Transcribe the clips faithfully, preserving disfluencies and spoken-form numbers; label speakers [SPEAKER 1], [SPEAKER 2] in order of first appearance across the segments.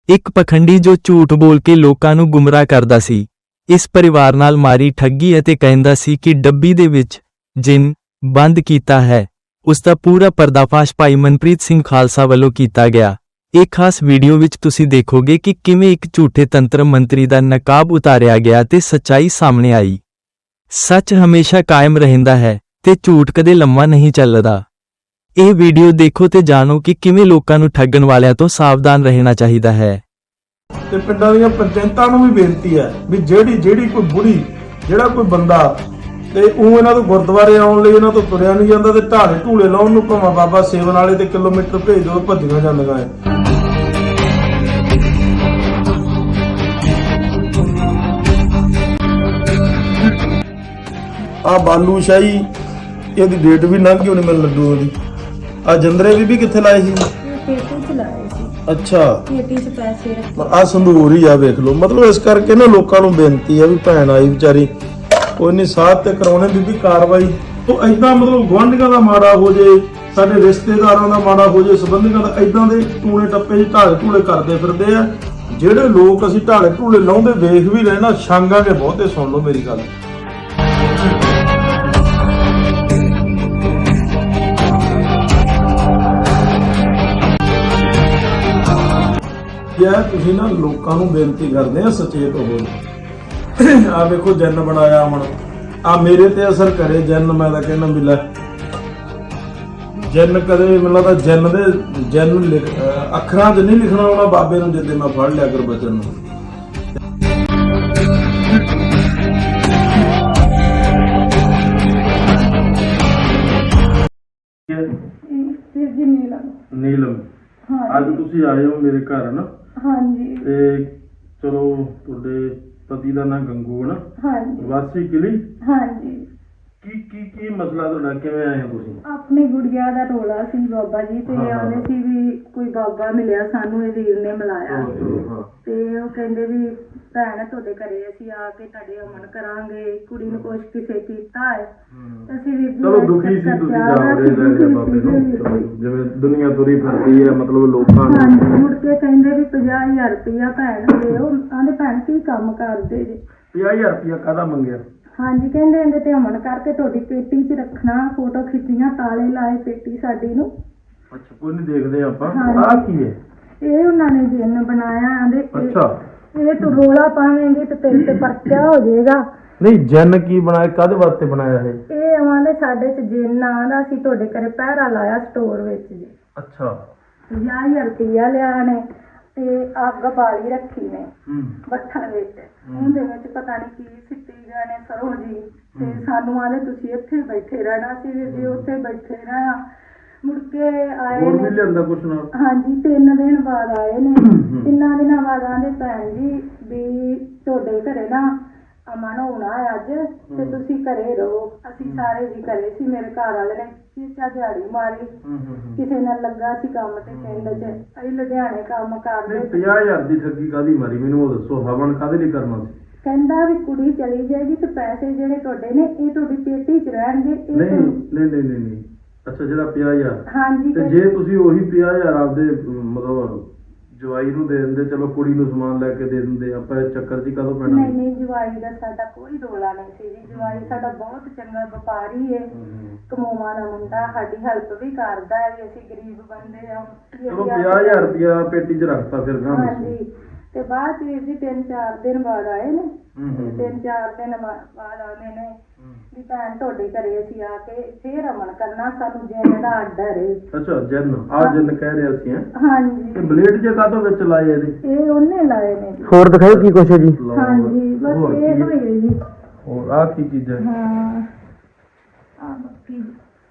[SPEAKER 1] ਇੱਕ ਪਖੰਡੀ ਜੋ ਝੂਠ ਬੋਲ ਕੇ ਲੋਕਾਂ ਨੂੰ ਗੁੰਮਰਾਹ ਕਰਦਾ ਸੀ। ਇਸ ਪਰਿਵਾਰ ਨਾਲ ਮਾਰੀ ਠੱਗੀ ਅਤੇ ਕਹਿੰਦਾ ਸੀ ਕਿ ਡੱਬੀ ਦੇ ਵਿੱਚ ਜਿੰਨ ਬੰਦ ਕੀਤਾ ਹੈ। ਉਸ ਦਾ ਪੂਰਾ ਪਰਦਾਫਾਸ਼ ਭਾਈ ਮਨਪ੍ਰੀਤ ਸਿੰਘ ਖਾਲਸਾ ਵੱਲੋਂ ਕੀਤਾ ਗਿਆ। ਇਹ ਖਾਸ ਵੀਡੀਓ ਵਿੱਚ ਤੁਸੀਂ ਦੇਖੋਗੇ ਕਿ ਕਿਵੇਂ ਇੱਕ ਝੂਠੇ ਤੰਤਰ ਮੰਤਰੀ ਦਾ ਨਕਾਬ ਉਤਾਰਿਆ ਗਿਆ ਤੇ ਸੱਚਾਈ ਸਾਹਮਣੇ ਆਈ। ਸੱਚ ਹਮੇਸ਼ਾ ਕਾਇਮ ਰਹਿੰਦਾ ਹੈ ਤੇ ਝੂਠ ਕਦੇ ਲੰਮਾ ਨਹੀਂ ਚੱਲਦਾ। ਇਹ ਵੀਡੀਓ ਦੇਖੋ ਤੇ ਜਾਣੋ ਕਿ ਕਿਵੇਂ ਲੋਕਾਂ ਨੂੰ ਠੱਗਣ ਵਾਲਿਆਂ ਤੋਂ ਸਾਵਧਾਨ ਰਹਿਣਾ ਚਾਹੀਦਾ ਹੈ।
[SPEAKER 2] ਤੇ ਪਿੰਡਾਂ ਦੀਆਂ ਪੰਚਾਇਤਾਂ ਨੂੰ ਵੀ ਬੇਨਤੀ ਹੈ ਵੀ ਜਿਹੜੀ ਜਿਹੜੀ ਕੋਈ ਬੁੜੀ ਜਿਹੜਾ ਕੋਈ ਬੰਦਾ ਤੇ ਉਹ ਇਹਨਾਂ ਤੋਂ ਗੁਰਦੁਆਰੇ ਆਉਣ ਲਈ ਇਹਨਾਂ ਤੋਂ ਤੁਰਿਆ ਨਹੀਂ ਜਾਂਦਾ ਤੇ ਢਾਲੇ ਢੂਲੇ ਲਾਉਣ ਨੂੰ ਭਾਵੇਂ ਬਾਬਾ ਸੇਵਨ ਵਾਲੇ ਤੇ ਕਿਲੋਮੀਟਰ ਭੇਜ ਦਿਓ, ਭੱਜੀਆਂ ਜਾਂਦੀਆਂ ਹੈ। ਆ ਬਾਲੂ ਸ਼ਾਹੀ ਇਹਦੀ ਡੇਟ ਵੀ ਲੰਘ ਗਈ ਉਹਨੇ ਮੈਨੂੰ ਲੱਡੂ ਉਹਦੀ। ਆ ਜੰਦਰੇ ਵੀ ਵੀ ਕਿੱਥੇ ਲਾਏ ਸੀ?
[SPEAKER 3] ਪੇਟੀ ਚ ਲਾਏ ਸੀ।
[SPEAKER 2] ਅੱਛਾ,
[SPEAKER 3] ਪੇਟੀ ਚ ਪੈਸੇ ਰੱਖੇ।
[SPEAKER 2] ਆ ਸੰਦੂਰ ਹੀ ਆ ਵੇਖ ਲਓ। ਮਤਲਬ ਇਸ ਕਰਕੇ ਨਾ ਲੋਕਾਂ ਨੂੰ ਬੇਨਤੀ ਆ ਵੀ ਭੈਣ ਆਈ ਵਿਚਾਰੀ ਕੋਈ ਨਹੀਂ ਸਾਥ ਤੇ ਕਰਾਉਣੇ ਬੀਬੀ ਕਾਰਵਾਈ। ਉਹ ਏਦਾਂ ਮਤਲਬ ਗੁਆਂਢੀਆਂ ਦਾ ਮਾੜਾ ਹੋ ਜੇ, ਸਾਡੇ ਰਿਸ਼ਤੇਦਾਰਾਂ ਦਾ ਮਾੜਾ ਹੋ ਜੇ, ਸੰਬੰਧੀਆਂ ਦਾ, ਏਦਾਂ ਦੇ ਟੂਣੇ ਟੱਪੇ ਚ ਢਾਲੇ ਢੂਲੇ ਕਰਦੇ ਫਿਰਦੇ ਆ। ਜਿਹੜੇ ਲੋਕ ਅਸੀਂ ਢਾਲੇ ਢੂਲੇ ਲਾਉਂਦੇ ਵੇਖ ਵੀ ਲੈਣਾ ਛਾਂਗਾਂਗੇ ਬਹੁਤੇ। ਸੁਣ ਲਓ ਮੇਰੀ ਗੱਲ। ਯਾਰ ਤੁਸੀਂ ਨਾ ਲੋਕਾਂ ਨੂੰ ਬੇਨਤੀ ਕਰਦੇ ਆ ਸੁਚੇਤ ਹੋ। ਆ ਵੇਖੋ ਜਨ ਬਣਾਇਆ ਹੁਣ ਆ ਮੇਰੇ ਤੇ ਅਸਰ ਕਰੇ ਜਨ। ਮੈਂ ਤਾਂ ਕਹਿੰਦਾ ਵੀ ਲੈ ਜਨ ਕਦੇ ਮੈਨੂੰ ਲੱਗਦਾ ਜਨ ਦੇ ਜਨ ਲਿਖ ਅੱਖਰਾਂ 'ਚ ਨਹੀਂ ਲਿਖਣਾ ਆਉਣਾ ਬਾਬੇ ਨੂੰ ਜਿੱਦੇ ਮੈਂ ਫੜ ਲਿਆ ਗੁਰਬਚਨ ਨੂੰ। ਨੀਲਮ ਅੱਜ ਤੁਸੀਂ ਆਏ ਹੋ ਮੇਰੇ ਘਰ ਨਾ? ਹਾਂਜੀ। ਤੇ ਚਲੋ ਤੁਹਾਡੇ ਪਤੀ ਦਾ ਨਾਂ ਗੰਗੂ ਹੈ ਨਾ? ਹਾਂਜੀ। ਵਾਸੀ ਕਿਲੀ? ਹਾਂਜੀ। ਕੀ ਕੀ ਕੀ ਮਸਲਾ ਤੁਹਾਡਾ, ਕਿਵੇਂ ਆਏ ਹੋ ਤੁਸੀਂ?
[SPEAKER 3] ਆਪਣੀ ਗੁੜੀਆ ਦਾ ਰੋਲਾ ਸੀ ਬਾਬਾ ਜੀ ਤੇ ਆਉਂਦੇ ਸੀ ਵੀ ਕੋਈ ਬਾਬਾ ਮਿਲਿਆ ਸਾਨੂੰ, ਇਹ ਵੀਰ ਨੇ ਮਿਲਾਇਆ ਤੇ ਉਹ ਕਹਿੰਦੇ ਵੀ ਭੈਣ ਤੁਹਾਡੇ ਘਰੇ ਅਸੀਂ ਆ ਕੇ ਤੁਹਾਡੇ ਅਮਨ ਕਰਾਂਗੇ, ਕੁੜੀ ਨੂੰ ਕੁਛ ਕਿਸੇ ਕੀਤਾ ਹੈ। ਅਸੀਂ ਵੀ
[SPEAKER 2] ਚਲੋ ਦੁਖੀ ਸੀ ਤੁਸੀਂ ਜਾਵੜੇ ਲੈ ਬਾਬੇ ਨੂੰ, ਜਿਵੇਂ ਦੁਨੀਆ ਤੁਰੀ ਫਿਰਦੀ ਹੈ ਮਤਲਬ ਲੋਕਾਂ ਨੂੰ।
[SPEAKER 3] ਹਾਂਜੀ। ਮੁੜ ਕੇ ਕਹਿੰਦੇ ਵੀ ਪੰਜਾਹ ਹਜ਼ਾਰ ਰੁਪਇਆ ਭੈਣ ਦਿਓ। ਆਂਦੇ ਭੈਣ ਕੀ ਕੰਮ ਕਰਦੇ ਜੇ?
[SPEAKER 2] ਪੰਜਾਹ ਹਜ਼ਾਰ ਰੁਪਇਆ ਕਾਹਦਾ ਮੰਗਿਆ?
[SPEAKER 3] ਹਾਂਜੀ। ਕਹਿੰਦੇ ਇਹਦੇ ਤੇ ਅਮਨ ਕਰਕੇ ਤੁਹਾਡੀ ਪੇਟੀ 'ਚ ਰੱਖਣਾ, ਫੋਟੋ ਖਿੱਚੀਆਂ, ਤਾਲੇ ਲਾਏ ਪੇਟੀ ਸਾਡੀ ਨੂੰ।
[SPEAKER 2] ਅੱਛਾ, ਕੋਈ ਨਹੀਂ ਦੇਖਦੇ ਆਪਾਂ। ਆਹ ਕੀ ਹੈ?
[SPEAKER 3] ਇਹ ਉਹਨਾਂ ਨੇ ਜਿੰਨ ਬਣਾਇਆ। ਆਂਦੇ
[SPEAKER 2] ਅੱਛਾ,
[SPEAKER 3] ਇਹ ਤੂੰ ਰੋਲਾ ਪਾਵੇਂਗੀ ਤੇ ਤੇਰੇ ਤੇ ਪਰਚਾ ਹੋ ਜਾਏਗਾ।
[SPEAKER 2] ਨਹੀਂ ਜਨ ਕੀ ਬਣਾਇਆ, ਕਾਹਦੇ ਵਾਸਤੇ ਬਣਾਇਆ ਹੈ?
[SPEAKER 3] ਇਹ ਆਵਾਂਦੇ ਸਾਡੇ 'ਚ ਜਿੰਨ ਆਂਦਾ ਸੀ ਤੁਹਾਡੇ ਘਰੇ ਪਹਿਰਾ ਲਾਇਆ ਸਟੋਰ ਵਿੱਚ ਜੀ।
[SPEAKER 2] ਅੱਛਾ।
[SPEAKER 3] ਪੰਜਾਹ ਹਜ਼ਾਰ ਰੁਪਇਆ ਲਿਆ ਨੇ ਤੇ ਅੱਗ ਬਾਲੀ ਰੱਖੀ ਨੇ ਬੱਠਣ ਵਿੱਚ। ਉਹਦੇ ਵਿੱਚ ਪਤਾ ਨਹੀਂ ਕੀ ਸਿੱਟੀ ਗਏ ਨੇ ਸਰੋਂ ਜੀ। ਤੇ ਸਾਨੂੰ ਆਲੇ ਤੁਸੀਂ ਇੱਥੇ ਬੈਠੇ ਰਹਿਣਾ ਸੀ ਵੀਰ ਜੀ, ਉੱਥੇ ਬੈਠੇ ਰਹਿਣਾ। ਮੁੜ ਕੇ ਆਏ ਨੇ।
[SPEAKER 2] ਲਿਆਂਦਾ ਕੁਛ ਨਾਲ? ਹਾਂਜੀ।
[SPEAKER 3] ਤਿੰਨ ਦਿਨ ਬਾਅਦ ਆਏ ਨੇ। ਤਿੰਨਾਂ ਦਿਨਾਂ ਬਾਅਦ ਆਂਦੇ ਭੈਣ ਜੀ ਵੀ ਤੁਹਾਡੇ ਘਰੇ ਨਾ ਅਮਨ ਹੋਣਾ ਅੱਜ ਤੇ ਤੁਸੀਂ ਘਰੇ ਰਹੋ। ਅਸੀਂ ਸਾਰੇ ਜੀ ਘਰੇ ਸੀ। ਮੇਰੇ ਘਰ ਵਾਲੇ ਨੇ ਚੀਚਾ ਦਿਹਾੜੀ ਮਾਰੀ, ਕਿਸੇ ਨਾਲ ਲੱਗਾ ਸੀ ਕੰਮ ਤੇ ਪਿੰਡ 'ਚ। ਅਸੀਂ ਲੁਧਿਆਣੇ ਕੰਮ ਕਰਦੇ।
[SPEAKER 2] ਪੰਜਾਹ ਹਜ਼ਾਰ ਦੀ ਠੱਗੀ ਕਾਹਦੀ ਮਾਰੀ ਮੈਨੂੰ ਉਹ ਦੱਸੋ? ਹਵਨ ਕਾਹਦੇ ਲਈ ਕਰਨਾ ਸੀ?
[SPEAKER 3] ਕਹਿੰਦਾ ਵੀ ਕੁੜੀ ਚਲੀ ਜਾਏਗੀ ਤੇ ਪੈਸੇ ਜਿਹੜੇ ਤੁਹਾਡੇ ਨੇ ਇਹ ਤੁਹਾਡੀ ਪੇਟੀ 'ਚ ਰਹਿਣਗੇ।
[SPEAKER 2] ਨਹੀਂ ਨਹੀਂ ਨਹੀਂ ਨਹੀਂ। ਅੱਛਾ, ਜਿਹੜਾ ਪੰਜਾਹ ਹਜ਼ਾਰ?
[SPEAKER 3] ਹਾਂਜੀ।
[SPEAKER 2] ਤੇ ਜੇ ਤੁਸੀਂ ਉਹੀ ਪੰਜਾਹ ਹਜ਼ਾਰ ਆਪਦੇ ਮਤਲਬ ਜਵਾਈ ਨੂੰ ਦੇ ਦਿੰਦੇ, ਚਲੋ ਕੁੜੀ ਨੂੰ ਸਮਾਨ ਲੈ ਕੇ ਦੇ ਦਿੰਦੇ, ਆਪਾਂ ਇਹ ਚੱਕਰ ਜੀ ਕਦੋਂ ਪੈਣਾ?
[SPEAKER 3] ਨਹੀਂ ਨਹੀਂ, ਜਵਾਈ ਦਾ ਸਾਡਾ ਕੋਈ ਰੋਲਾ ਨਹੀਂ ਸੀ ਜੀ। ਜਵਾਈ ਸਾਡਾ ਬਹੁਤ ਚੰਗਾ ਵਪਾਰੀ ਹੈ, ਕਮਾਉਣ ਦਾ ਮੁੰਡਾ, ਸਾਡੀ ਹੈਲਪ ਵੀ ਕਰਦਾ ਹੈ। ਅਸੀਂ ਗਰੀਬ ਬੰਦੇ ਆ।
[SPEAKER 2] ਚਲੋ ਪੰਜਾਹ ਹਜ਼ਾਰ ਰੁਪਇਆ ਪੇਟੀ 'ਚ ਰੱਖਤਾ ਫਿਰ ਗਾਂ?
[SPEAKER 3] ਹਾਂਜੀ। ਤੇ ਬਾਅਦ ਵੀਰ ਜੀ ਤਿੰਨ ਚਾਰ ਦਿਨ ਬਾਅਦ ਆਏ ਨੇ। ਤਿੰਨ ਚਾਰ ਦਿਨ ਬਾਅਦ ਆਉਂਦੇ ਨੇ ਵੀ ਭੈਣ ਤੁਹਾਡੇ ਘਰੇ ਅਸੀਂ ਆ ਕੇ ਫੇਰ ਅਮਨ ਕਰਨਾ, ਸਾਨੂੰ ਜਿੰਨ ਦਾ ਆਰਡਰ ਹੈ।
[SPEAKER 2] ਅੱਛਾ, ਜਿੰਨ ਆ ਜਿੰਨ ਕਹਿ ਰਹੇ ਅਸੀਂ?
[SPEAKER 3] ਹਾਂਜੀ।
[SPEAKER 2] ਤੇ ਬਲੇਡ ਜੇ ਕਾਹਤੋਂ ਵਿੱਚ ਲਾਏ ਇਹਦੇ?
[SPEAKER 3] ਇਹ ਉਹਨੇ ਲਾਏ ਨੇ ਜੀ।
[SPEAKER 2] ਹੋਰ ਦਿਖਾਓ ਕੀ ਕੁਛ ਹੈ ਜੀ?
[SPEAKER 3] ਹਾਂਜੀ, ਬਸ ਇਹ ਹੋਈ ਜੀ।
[SPEAKER 2] ਹੋਰ ਆ ਕੀ ਚੀਜ਼ ਹੈ?
[SPEAKER 3] ਹਾਂ ਆ ਬਾਕੀ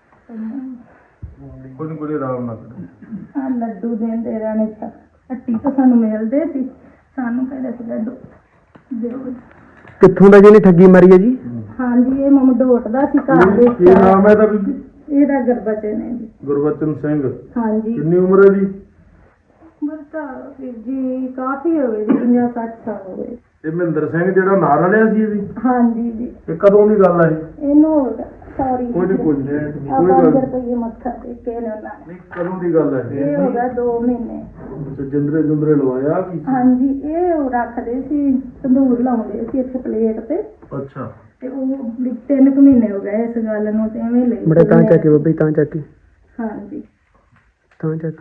[SPEAKER 2] ਕੋਈ ਕੋਈ ਆਰਾਮ ਨਾਲ ਕਰੋ।
[SPEAKER 3] ਆ ਲੱਡੂ ਦਿੰਦੇ ਰਹਿਣੇ। ਹੱਟੀ ਤੋਂ ਸਾਨੂੰ ਮਿਲਦੇ ਸੀ, ਸਾਨੂੰ ਕਹਿੰਦੇ ਸੀ ਲੱਡੂ ਦਿਓ।
[SPEAKER 2] ਕਿੱਥੋਂ ਦਾ ਜਿਹਨੇ ਠੱਗੀ ਮਾਰੀ ਹੈ ਜੀ?
[SPEAKER 3] ਹਾਂਜੀ, ਇਹ ਮਮਡੋਟ ਦਾ ਸੀ ਘਰ ਦੇ।
[SPEAKER 2] ਕੀ ਨਾਮ ਹੈ ਇਹਦਾ ਬੀਬੀ?
[SPEAKER 3] ਇਹਦਾ ਗੁਰਬਚਨ ਹੈ ਜੀ।
[SPEAKER 2] ਗੁਰਬਚਨ ਸਿੰਘ। ਹਾਂਜੀ। ਕਿੰਨੀ ਉਮਰ ਹੈ ਜੀ?
[SPEAKER 3] ਉਮਰ ਤਾਂ ਵੀਰ ਜੀ ਕਾਫੀ ਹੋ ਗਈ ਜੀ, ਪੰਜਾਹ ਸੱਠ ਸਾਲ ਹੋ ਗਏ।
[SPEAKER 2] ਇਹ ਮਹਿੰਦਰ ਸਿੰਘ ਜਿਹੜਾ ਨਾਲ ਰਲਿਆ ਸੀ ਇਹ ਵੀ?
[SPEAKER 3] ਹਾਂਜੀ ਜੀ।
[SPEAKER 2] ਇਹ ਕਦੋਂ ਦੀ ਗੱਲ ਹੈ?
[SPEAKER 3] ਇਹਨੂੰ ਸੌਰੀ
[SPEAKER 2] ਕੋਈ ਨਹੀਂ ਕੋਈ ਨਹੀਂ
[SPEAKER 3] ਆ
[SPEAKER 2] ਕੋਈ
[SPEAKER 3] ਪੰਜ
[SPEAKER 2] ਗੱਲ
[SPEAKER 3] ਰੁਪਏ ਮੱਥਾ ਟੇਕੇ ਨੇ ਉਹਨਾਂ ਨੇ
[SPEAKER 2] ਨਹੀਂ। ਕਦੋਂ ਦੀ ਗੱਲ ਹੈ
[SPEAKER 3] ਇਹ ਹੋ ਗਿਆ ਦੋ ਮਹੀਨੇ।
[SPEAKER 2] ਅੱਛਾ ਜਿੰਦਰੇ ਜੁੰਦਰੇ ਲਵਾਇਆ ਕੀ?
[SPEAKER 3] ਹਾਂਜੀ ਇਹ ਉਹ ਰੱਖਦੇ ਸੀ ਤੰਦੂਰ ਲਾਉਂਦੇ ਸੀ ਇੱਥੇ ਪਲੇਟ ਤੇ।
[SPEAKER 2] ਅੱਛਾ
[SPEAKER 3] ਤੇ ਉਹ ਵੀ ਤਿੰਨ ਕੁ ਮਹੀਨੇ ਹੋ ਗਏ ਇਸ ਗੱਲ ਨੂੰ ਤੇ ਐਵੇਂ ਲਈ
[SPEAKER 4] ਬੜਾ ਤਾਂ ਚੱਕੀ ਬੱਬੀ ਤਾਂ ਚੱਕੀ
[SPEAKER 3] ਹਾਂਜੀ
[SPEAKER 4] ਤਾਂ ਚੱਕ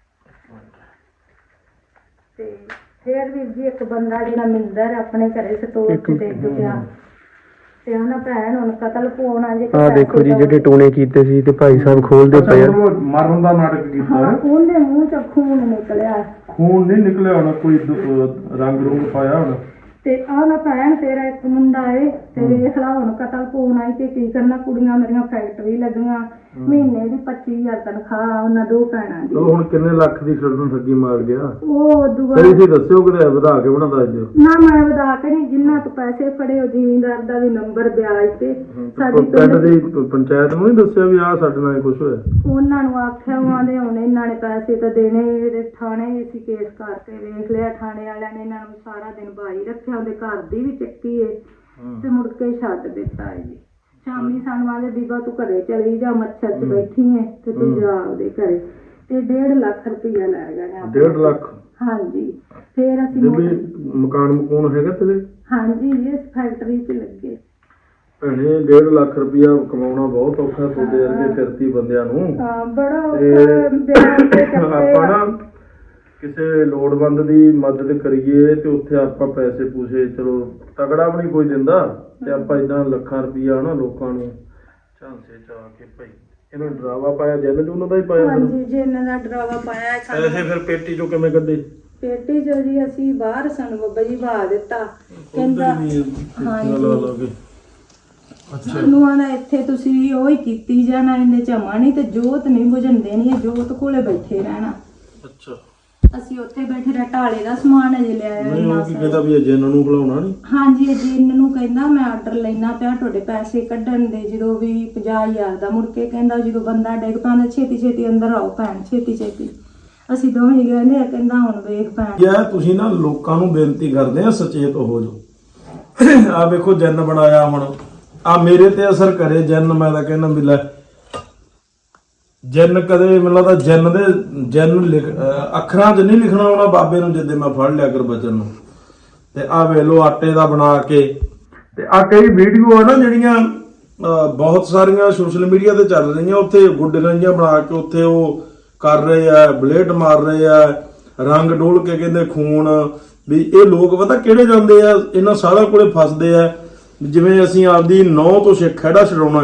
[SPEAKER 3] ਤੇ ਫੇਰ ਵੀ ਜੀ ਇੱਕ ਬੰਦਾ ਜਿਹੜਾ ਮਿੰਦਰ ਆਪਣੇ ਘਰੇ ਸਟੋਰ ਤੇ ਡਿੱਗ ਗਿਆ ਤੇ ਉਹਨਾਂ ਭੈਣ ਹੁਣ ਕਤਲ ਪਵਾਉਣਾ ਜੇ
[SPEAKER 4] ਆਹ ਦੇਖੋ ਜੀ ਜਿਹੜੇ ਟੂਣੇ ਕੀਤੇ ਸੀ ਤੇ ਭਾਈ ਸਾਹਿਬ ਖੋਲਦੇ ਪਏ ਆ।
[SPEAKER 2] ਮਰਨ ਦਾ ਨਾਟਕ ਕੀਤਾ
[SPEAKER 3] ਹਾਂ ਉਹਦੇ ਮੂੰਹ ਚ ਖੂਨ ਨਿਕਲਿਆ
[SPEAKER 2] ਖੂਨ ਨਹੀਂ ਨਿਕਲਿਆ ਹੋਣਾ, ਕੋਈ ਦ- ਰੰਗ ਰੂੰਗ ਪਾਇਆ ਹੋਣਾ।
[SPEAKER 3] ਤੇ ਆਹ ਨਾ ਭੈਣ ਤੇਰਾ ਇੱਕ ਮੁੰਡਾ ਏ ਤੇ ਵੇਖ ਲਾ ਹੁਣ ਕਤਲ ਪਵਾਉਣਾ ਈ ਤੇ ਕੀ ਕਰਨਾ। ਕੁੜੀਆਂ ਮੇਰੀਆਂ ਫੈਕਟਰੀ ਲੱਗੀਆਂ, ਮਹੀਨੇ ਦੀ ਪੱਚੀ ਹਜ਼ਾਰ ਤਨਖਾਹ ਉਹਨਾਂ ਦੋ ਭੈਣਾਂ ਦੀ।
[SPEAKER 2] ਚਲੋ ਹੁਣ ਕਿੰਨੇ ਲੱਖ ਦੀ ਛੱਡਣ ਠੱਗੀ ਮਾਰ ਗਿਆ?
[SPEAKER 3] ਉਹ ਦੁਆ
[SPEAKER 2] ਸਹੀ ਸੀ ਦੱਸਿਓ ਕਿਤੇ ਵਧਾ ਕੇ ਬਣਾ ਦੱਸ ਦਿਓ।
[SPEAKER 3] ਨਾ ਮੈਂ ਵਧਾ ਕੇ ਨਹੀਂ, ਜਿੰਨਾ ਤੋਂ ਪੈਸੇ ਫੜੇ ਉਹ ਜ਼ਿਮੀਂਦਾਰ ਦਾ ਵੀ ਨੰਬਰ ਵਿਆਜ ਤੇ ਸਾਡੀ
[SPEAKER 2] ਪਿੰਡ ਦੀ ਪ- ਪੰਚਾਇਤ ਨੂੰ ਨਹੀਂ ਦੱਸਿਆ ਵੀ ਆਹ ਸਾਡੇ ਨਾਲ ਕੁਝ ਹੋਇਆ?
[SPEAKER 3] ਉਹਨਾਂ ਨੂੰ ਆਖਿਆ ਉਹਨਾਂ ਦੇ ਹੁਣ ਇਹਨਾਂ ਨੇ ਪੈਸੇ ਤਾਂ ਦੇਣੇ। ਇਹਦੇ ਥਾਣੇ ਅਸੀਂ ਕੇਸ ਕਰਕੇ ਵੇਖ ਲਿਆ, ਥਾਣੇ ਵਾਲਿਆਂ ਨੇ ਇਹਨਾਂ ਨੂੰ ਸਾਰਾ ਦਿਨ ਬਾਈ ਰੱਖਿਆ, ਉਹਦੇ ਘਰ ਦੀ ਵੀ ਚੱਕੀ ਏ ਤੇ ਮੁੜ ਕੇ ਛੱਡ ਦਿੱਤਾ ਹੈ ਜੀ। ਸ਼ਾਮੀ ਸਾਨੂੰ ਆਲੇ ਬੀਬਾ ਤੂੰ ਘਰੇ ਚਲੀ ਜਾ, ਮੱਛਰ 'ਚ ਬੈਠੀ ਏ ਤੇ ਤੂੰ ਜਾ ਉਹਦੇ ਘਰੇ। ਤੇ ਡੇਢ ਲੱਖ ਰੁਪਈਆ ਲੈ ਗਏ ਨੇ ਆਪਣੇ।
[SPEAKER 2] ਡੇਢ ਲੱਖ?
[SPEAKER 3] ਹਾਂਜੀ। ਫੇਰ ਅਸੀਂ
[SPEAKER 2] ਬੀਬੀ
[SPEAKER 3] ਮੋਟਰ-
[SPEAKER 2] ਮਕਾਨ ਮਕੂਨ ਹੈਗਾ ਤੇਰੇ?
[SPEAKER 3] ਹਾਂਜੀ ਇਸ ਫੈਕਟਰੀ 'ਚ ਲੱਗੇ।
[SPEAKER 2] ਭੈਣੇ ਡੇਢ ਲੱਖ ਰੁਪਇਆ ਕਮਾਉਣਾ ਬਹੁਤ ਔਖਾ ਤੁਹਾਡੇ ਵਰਗੇ ਕਿਰਤੀ ਬੰਦਿਆਂ ਨੂੰ।
[SPEAKER 3] ਹਾਂ ਬੜਾ
[SPEAKER 2] ਤੇ
[SPEAKER 3] ਔਖਾ ਵਿਆਹ ਤੇ ਚੱਕੇ
[SPEAKER 2] ਆਪਾਂ
[SPEAKER 3] ਆ।
[SPEAKER 2] ਨਾ ਕਿਸੇ ਲੋੜਵੰਦ ਦੀ ਮਦਦ ਕਰੀਏ ਤੇ ਉੱਥੇ ਆਪਾਂ ਪੈਸੇ ਪੂਸੇ ਚਲੋ ਤਗੜਾ ਵੀ ਨਹੀਂ ਕੋਈ ਦਿੰਦਾ ਤੇ ਆਪਾਂ ਇਦਾਂ ਲੱਖਾਂ ਰੁਪਇਆ ਨਾ ਲੋਕਾਂ ਨੂੰ ਝਾਂਸੇ ਚ ਆ ਕੇ ਭਾਈ ਇਹਨਾਂ ਨੂੰ ਡਰਾਵਾ ਪਾਇਆ, ਜੈਲ ਚ ਉਹਨਾਂ ਦਾ ਹੀ ਪਾਇਆ।
[SPEAKER 3] ਹਾਂਜੀ ਜੀ ਇਹਨਾਂ ਦਾ ਡਰਾਵਾ ਪਾਇਆ ਸਾਨੂੰ।
[SPEAKER 2] ਪੈਸੇ ਫਿਰ ਪੇਟੀ ਚੋਂ ਕਿਵੇਂ ਕੱਢੇ?
[SPEAKER 3] ਪੇਟੀ ਚੋਂ ਜੀ ਅਸੀਂ ਬਾਹਰ ਸਾਨੂੰ ਬੱਬਾ ਜੀ ਬਹਾ ਦਿੱਤਾ। ਕਹਿੰਦਾ ਹਾਂਜੀ ਸਾਨੂੰ ਆਣਾ ਇੱਥੇ ਤੁਸੀਂ ਉਹ ਹੀ ਕੀਤੀ ਜਾਣਾ, ਇਹਨੇ ਝਮਾ ਨਹੀਂ ਤੇ ਜੋਤ ਨਹੀਂ ਬੁਝਣ ਦੇਣੀ, ਇਹ ਜੋਤ ਕੋਲੇ ਬੈਠੇ ਰਹਿਣਾ।
[SPEAKER 2] ਅੱਛਾ
[SPEAKER 3] ਅਸੀਂ ਉੱਥੇ ਬੈਠੇ ਰਹਿ ਢਾਲੇ ਦਾ ਸਮਾਨ ਅਜੇ ਲਿਆਇਆ
[SPEAKER 2] ਨਹੀਂ
[SPEAKER 3] ਇੰਨਾ
[SPEAKER 2] ਉਹ ਕੀ ਕਹਿੰਦਾ ਵੀ ਅਜੇ ਇਹਨਾਂ ਨੂੰ ਖਿਲਾਉਣਾ ਨਹੀਂ?
[SPEAKER 3] ਹਾਂਜੀ ਜੀ ਇਹਨਾਂ ਨੂੰ ਕਹਿੰਦਾ ਮੈਂ ਆਰਡਰ ਲੈਣਾ ਪਿਆ ਤੁਹਾਡੇ ਪੈਸੇ ਕੱਢਣ ਦੇ ਜਦੋਂ ਵੀ ਪੰਜਾਹ ਹਜ਼ਾਰ ਦਾ। ਮੁੜ ਕੇ ਕਹਿੰਦਾ ਜਦੋਂ ਬੰਦਾ ਡਿੱਗ ਪੈਂਦਾ ਛੇਤੀ ਛੇਤੀ ਅੰਦਰ ਆਓ ਭੈਣ, ਛੇਤੀ ਛੇਤੀ। ਅਸੀਂ ਦੋਵੇਂ ਗਏ ਨੇ, ਕਹਿੰਦਾ ਹੁਣ ਵੇਖ ਭੈਣ।
[SPEAKER 2] ਯਾ ਤੁਸੀਂ ਨਾ ਲੋਕਾਂ ਨੂੰ ਬੇਨਤੀ ਕਰਦੇ ਆ ਸੁਚੇਤ ਹੋ ਜਾਓ। ਆ ਵੇਖੋ ਜਨ ਬਣਾਇਆ ਹੁਣ ਆ ਮੇਰੇ ਤੇ ਅਸਰ ਕਰੇ ਜਨ। ਮੈਂ ਤਾਂ ਕਹਿੰਦਾ ਵੀ ਲੈ ਜਨ ਕਦੇ ਮੈਨੂੰ ਲੱਗਦਾ ਜਨ ਦੇ ਜਨ ਲਿਖ ਅਹ ਅੱਖਰਾਂ 'ਚ ਨਹੀਂ ਲਿਖਣਾ ਆਉਣਾ ਬਾਬੇ ਨੂੰ ਜਿੱਦੇ ਮੈਂ ਫੜ ਲਿਆ ਕਰ ਬਚਨ ਨੂੰ। ਤੇ ਆ ਵੇ ਲੋ ਆਟੇ ਦਾ ਬਣਾ ਕੇ ਤੇ ਆ ਕਈ ਵੀਡੀਓ ਆ ਨਾ ਜਿਹੜੀਆਂ ਅਹ ਬਹੁਤ ਸਾਰੀਆਂ ਸੋਸ਼ਲ ਮੀਡੀਆ ਤੇ ਚੱਲ ਰਹੀਆਂ, ਉੱਥੇ ਗੁੱਡੀਆਂ ਜਿਹੀਆਂ ਬਣਾ ਕੇ ਉੱਥੇ ਉਹ ਕਰ ਰਹੇ ਆ, ਬਲੇਡ ਮਾਰ ਰਹੇ ਆ, ਰੰਗ ਡੋਲ ਕੇ ਕਹਿੰਦੇ ਖੂਨ। ਵੀ ਇਹ ਲੋਕ ਪਤਾ ਕਿਹੜੇ ਜਾਂਦੇ ਆ, ਇਹਨਾਂ ਸਾਰਿਆਂ ਕੋਲੇ ਫਸਦੇ ਆ। ਜਿਵੇਂ ਅਸੀਂ ਆਪਦੀ ਨੌ ਤੋਂ ਸਿੱਖ ਖਹਿੜਾ ਛਡਾਉਣਾ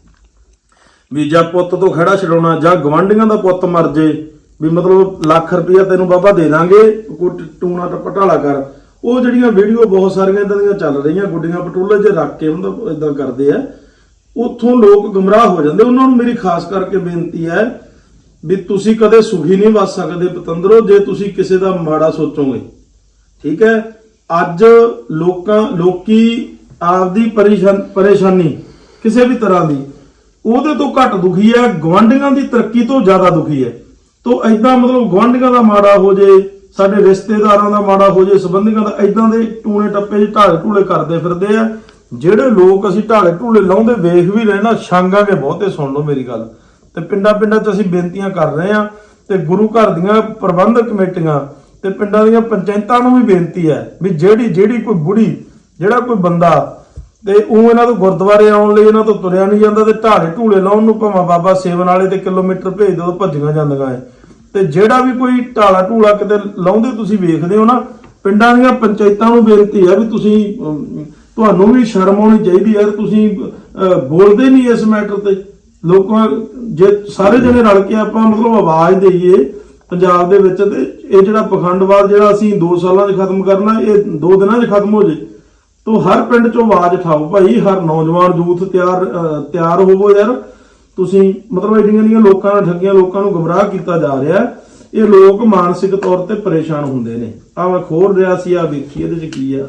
[SPEAKER 2] ਵੀ ਜਾਂ ਪੁੱਤ ਤੋਂ ਖਹਿੜਾ ਛਡਾਉਣਾ ਜਾਂ ਗਵਾਂਢੀਆਂ ਦਾ ਪੁੱਤ ਮਰ ਜੇ ਵੀ ਮਤਲਬ ਲੱਖ ਰੁਪਇਆ ਤੈਨੂੰ ਬਾਬਾ ਦੇ ਦਾਂਗੇ, ਕੋਈ ਟੂਣਾ ਟਪਟਾਲਾ ਕਰ। ਉਹ ਜਿਹੜੀਆਂ ਵੀਡੀਓ ਬਹੁਤ ਸਾਰੀਆਂ ਇਦਾਂ ਦੀਆਂ ਚੱਲ ਰਹੀਆਂ, ਗੁੱਡੀਆਂ ਪਟੋਲੇ 'ਚ ਰੱਖ ਕੇ ਮਤਲਬ ਇਦਾਂ ਕਰਦੇ ਆ, ਉੱਥੋਂ ਲੋਕ ਗੁੰਮਰਾਹ ਹੋ ਜਾਂਦੇ। ਉਹਨਾਂ ਨੂੰ ਮੇਰੀ ਖਾਸ ਕਰਕੇ ਬੇਨਤੀ ਹੈ ਵੀ ਤੁਸੀਂ ਕਦੇ ਸੁਖੀ ਨਹੀਂ ਵੱਸ ਸਕਦੇ ਪਤੰਦਰੋ ਜੇ ਤੁਸੀਂ ਕਿਸੇ ਦਾ ਮਾੜਾ ਸੋਚੋਗੇ। ਠੀਕ ਹੈ, ਅੱਜ ਲੋਕਾਂ ਲੋਕੀ ਆਪਦੀ ਪਰੇਸ਼ਾਨ ਪਰੇਸ਼ਾਨੀ ਕਿਸੇ ਵੀ ਤਰ੍ਹਾਂ ਦੀ ਉਹਦੇ ਤੋਂ ਘੱਟ ਦੁਖੀ ਹੈ, ਗਵਾਂਢੀਆਂ ਦੀ ਤਰੱਕੀ ਤੋਂ ਜ਼ਿਆਦਾ ਦੁਖੀ ਹੈ। ਤੋਂ ਐਦਾਂ ਮਤਲਬ ਗਵਾਂਢੀਆਂ ਦਾ ਮਾੜਾ ਹੋ ਜੇ, ਸਾਡੇ ਰਿਸ਼ਤੇਦਾਰਾਂ ਦਾ ਮਾੜਾ ਹੋ ਜੇ, ਸੰਬੰਧੀਆਂ ਦਾ, ਐਦਾਂ ਦੇ ਟੂਣੇ ਟੱਪੇ ਜਿਹੇ ਢਾਲੇ ਢੂਲੇ ਕਰਦੇ ਫਿਰਦੇ ਆ। ਜਿਹੜੇ ਲੋਕ ਅਸੀਂ ਢਾਲੇ ਢੂਲੇ ਲਾਉਂਦੇ ਵੇਖ ਵੀ ਰਹੇ ਨਾ, ਛਾਂਗਾਂਗੇ ਬਹੁਤੇ। ਸੁਣ ਲਓ ਮੇਰੀ ਗੱਲ। ਤੇ ਪਿੰਡਾਂ ਪਿੰਡਾਂ 'ਚ ਅਸੀਂ ਬੇਨਤੀਆਂ ਕਰ ਰਹੇ ਹਾਂ ਤੇ ਗੁਰੂ ਘਰ ਦੀਆਂ ਪ੍ਰਬੰਧਕ ਕਮੇਟੀਆਂ ਤੇ ਪਿੰਡਾਂ ਦੀਆਂ ਪੰਚਾਇਤਾਂ ਨੂੰ ਵੀ ਬੇਨਤੀ ਹੈ ਵੀ ਜਿਹੜੀ ਜਿਹੜੀ ਕੋਈ ਬੁੜੀ ਜਿਹੜਾ ਕੋਈ ਬੰਦਾ ਤੇ ਉਹ ਇਹਨਾਂ ਤੋਂ ਗੁਰਦੁਆਰੇ ਆਉਣ ਲਈ ਇਹਨਾਂ ਤੋਂ ਤੁਰਿਆ ਨਹੀਂ ਜਾਂਦਾ ਤੇ ਢਾਲੇ ਢੂਲੇ ਲਾਉਣ ਨੂੰ ਭਾਵੇਂ ਬਾਬਾ ਸੇਵਨ ਵਾਲੇ ਤੇ ਕਿਲੋਮੀਟਰ ਭੇਜ ਦਿਓ, ਭੱਜੀਆਂ ਜਾਂਦੀਆਂ ਹੈ। ਤੇ ਜਿਹੜਾ ਵੀ ਕੋਈ ਢਾਲਾ ਢੂਲਾ ਕਿਤੇ ਲਾਉਂਦੇ ਤੁਸੀਂ ਵੇਖਦੇ ਹੋ ਨਾ, ਪਿੰਡਾਂ ਦੀਆਂ ਪੰਚਾਇਤਾਂ ਨੂੰ ਬੇਨਤੀ ਹੈ ਵੀ ਤੁਸੀਂ ਅਮ, ਤੁਹਾਨੂੰ ਵੀ ਸ਼ਰਮ ਆਉਣੀ ਚਾਹੀਦੀ ਹੈ। ਤੁਸੀਂ ਅਹ, ਬੋਲਦੇ ਨਹੀਂ ਇਸ ਮੈਟਰ ਤੇ। ਲੋਕਾਂ ਜੇ ਸਾਰੇ ਜਣੇ ਰਲ ਕੇ ਆਪਾਂ ਮਤਲਬ ਆਵਾਜ਼ ਦੇਈਏ ਪੰਜਾਬ ਦੇ ਵਿੱਚ, ਤੇ ਇਹ ਜਿਹੜਾ ਪਖੰਡਵਾਦ ਜਿਹੜਾ ਅਸੀਂ ਦੋ ਸਾਲਾਂ 'ਚ ਖਤਮ ਕਰਨਾ, ਇਹ ਦੋ ਦਿਨਾਂ 'ਚ ਖਤਮ ਹੋ ਜੇ। ਤੋ ਹਰ ਪਿੰਡ 'ਚੋਂ ਆਵਾਜ਼ ਉਠਾਓ ਭਾਈ, ਹਰ ਨੌਜਵਾਨ ਯੂਥ ਤਿਆਰ ਤਿਆਰ ਹੋਵੋ ਯਾਰ। ਤੁਸੀਂ ਮਤਲਬ ਜਿਹੜੀਆਂ ਜਿਹੜੀਆਂ ਲੋਕਾਂ ਨਾਲ ਠੱਗੀਆਂ, ਲੋਕਾਂ ਨੂੰ ਗੁੰਮਰਾਹ ਕੀਤਾ ਜਾ ਰਿਹਾ, ਇਹ ਲੋਕ ਮਾਨਸਿਕ ਤੌਰ ਤੇ ਪਰੇਸ਼ਾਨ ਹੁੰਦੇ ਨੇ। ਆ ਮੈਂ ਖੋਲ ਰਿਹਾ ਸੀ, ਆ ਵੇਖੀ ਇਹਦੇ 'ਚ ਕੀ ਆ।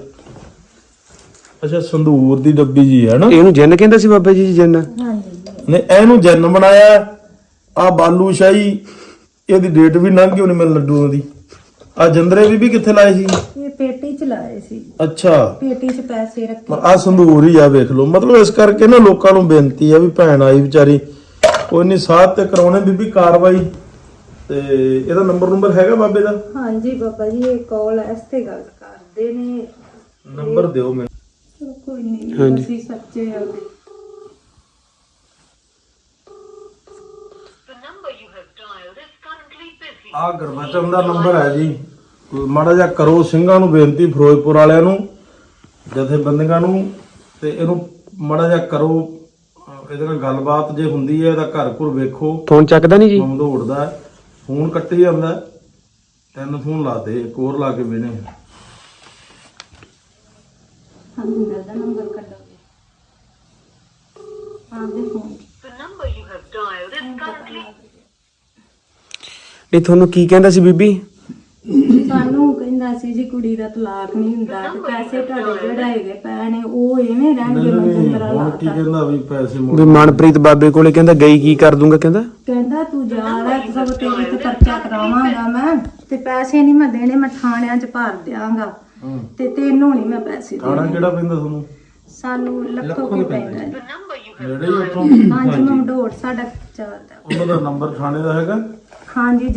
[SPEAKER 2] ਅੱਛਾ ਸੰਦੂਰ ਦੀ ਡੱਬੀ ਜੀ ਹੈ ਨਾ,
[SPEAKER 4] ਇਹਨੂੰ ਜਿੰਨ ਕਹਿੰਦਾ ਸੀ ਬਾਬਾ ਜੀ, ਜਿੰਨ।
[SPEAKER 2] ਨੇ ਇਹਨੂੰ ਜਨ ਬਣਾਇਆ। ਆ ਬਾਲੂ ਸ਼ਾਹੀ, ਇਹਦੀ ਡੇਟ ਵੀ ਲੰਘ ਗਈ ਹੋਣੀ ਮੈਨੂੰ ਲੱਡੂਆਂ ਦੀ। ਆ ਜੰਦਰੇ ਵੀ ਵੀ ਕਿੱਥੇ ਲਾਏ ਸੀ?
[SPEAKER 3] ਇਹ ਪੇਟੀ ਚ ਲਾਏ ਸੀ,
[SPEAKER 2] ਅੱਛਾ
[SPEAKER 3] ਪੇਟੀ ਚ ਪੈਸੇ ਰੱਖੇ।
[SPEAKER 2] ਆ ਸੰਧੂਰ ਹੀ ਆ, ਵੇਖ ਲਓ। ਮਤਲਬ ਇਸ ਕਰਕੇ ਨਾ ਲੋਕਾਂ ਨੂੰ ਬੇਨਤੀ ਆ ਵੀ ਭੈਣ ਆਈ ਵਿਚਾਰੀ, ਕੋਈ ਨਹੀਂ ਸਾਥ ਤੇ ਕਰਾਉਣੇ ਬੀਬੀ ਕਾਰਵਾਈ। ਤੇ ਇਹਦਾ ਨੰਬਰ ਨੰਬਰ ਹੈਗਾ ਬਾਬੇ ਦਾ?
[SPEAKER 3] ਹਾਂਜੀ ਬਾਬਾ ਜੀ, ਇਹ ਕਾਲ ਇਸ ਤੇ ਗੱਲ ਕਰਦੇ ਨੇ।
[SPEAKER 2] ਨੰਬਰ ਦਿਓ ਮੈਨੂੰ।
[SPEAKER 3] ਚਲੋ ਕੋਈ ਨਹੀਂ,
[SPEAKER 4] ਹਾਂਜੀ।
[SPEAKER 3] ਅਸੀਂ ਸੱਚੇ ਆ।
[SPEAKER 2] ਆ ਗੁਰਬਚਨ ਦਾ ਨੰਬਰ ਹੈ ਜੀ, ਮਾੜਾ ਜਿਹਾ ਕਰੋ ਸਿੰਘਾਂ ਨੂੰ ਬੇਨਤੀ, ਫਿਰੋਜ਼ਪੁਰ ਵਾਲਿਆਂ ਨੂੰ, ਜਥੇਬੰਦੀਆਂ ਨੂੰ, ਤੇ ਇਹਨੂੰ ਮਾੜਾ ਜਿਹਾ ਕਰੋ। ਅਹ ਇਹਦੇ ਨਾਲ ਗੱਲਬਾਤ ਜੇ ਹੁੰਦੀ ਹੈ, ਇਹਦਾ ਘਰ ਘੁਰ ਵੇਖੋ।
[SPEAKER 4] ਫੋਨ ਚੱਕਦਾ ਨਹੀਂ ਜੀ?
[SPEAKER 2] ਦੌੜਦਾ ਹੈ, ਫੋਨ ਕੱਟੀ ਜਾਂਦਾ ਹੈ। ਤਿੰਨ ਫੋਨ ਲਾਤੇ, ਇੱਕ ਹੋਰ ਲਾ ਕੇ ਵੇਨੇ।
[SPEAKER 3] ਹਮਿੰਦਰ ਦਾ ਨੰਬਰ ਕੱਢੋਗੇ ਆਪਦੇ ਫੋਨ ਚ।
[SPEAKER 4] ਨਹੀਂ, ਤੁਹਾਨੂੰ ਕੀ ਕਹਿੰਦਾ ਸੀ ਬੀਬੀ?
[SPEAKER 3] ਸਾਨੂੰ ਕਹਿੰਦਾ ਸੀ ਜੀ ਕੁੜੀ ਦਾ ਤਲਾਕ ਨਹੀਂ ਹੁੰਦਾ ਤੇ ਪੈਸੇ ਤੁਹਾਡੇ ਜਿਹੜੇ ਹੈਗੇ ਪਏ ਨੇ ਉਹ ਐਵੇਂ ਰਹਿਣਗੇ। ਮਨਜਿੰਦਰਾ
[SPEAKER 2] ਹੁਣ ਕੀ
[SPEAKER 3] ਲਾਤਾ,
[SPEAKER 2] ਕਹਿੰਦਾ ਵੀ ਪੈਸੇ ਮੋੜ।
[SPEAKER 4] ਵੀ ਮਨਪ੍ਰੀਤ ਬਾਬੇ ਕੋਲੇ ਕਹਿੰਦਾ ਗਈ ਕੀ ਕਰ ਦੂੰਗਾ, ਕਹਿੰਦਾ
[SPEAKER 3] ਕਹਿੰਦਾ ਤੂੰ ਜਾ ਲੈ, ਸਭ ਤੇਰੇ ਤੇ ਪਰਚਾ ਕਰਾਵਾਂਗਾ ਮੈਂ, ਤੇ ਪੈਸੇ ਨਹੀਂ ਮੈਂ ਦੇਣੇ, ਮੈਂ ਥਾਣਿਆਂ 'ਚ ਭਰ ਦਿਆਂਗਾ,
[SPEAKER 2] ਹੂੰ।
[SPEAKER 3] ਤੇ ਤੈਨੂੰ ਨਹੀਂ ਮੈਂ ਪੈਸੇ
[SPEAKER 2] ਖਾਣਾ
[SPEAKER 3] ਦੇਣੇ।
[SPEAKER 2] ਕਿਹੜਾ ਪੈਂਦਾ ਤੁਹਾਨੂੰ?
[SPEAKER 3] ਸਾਨੂੰ ਲੱਖੋਂ ਕੀ ਪੈਂਦਾ ਜੀ।
[SPEAKER 2] ਨੇੜੇ ਹੀ ਉੱਥੋਂ?
[SPEAKER 3] ਹਾਂਜੀ, ਮਮਡੋਰ ਸਾਡਾ ਚੱਲਦਾ।
[SPEAKER 2] ਉਹਨਾਂ ਦਾ ਨੰਬਰ ਥਾਣੇ ਦਾ ਹੈਗਾ?
[SPEAKER 3] ਹਾਂਜੀ।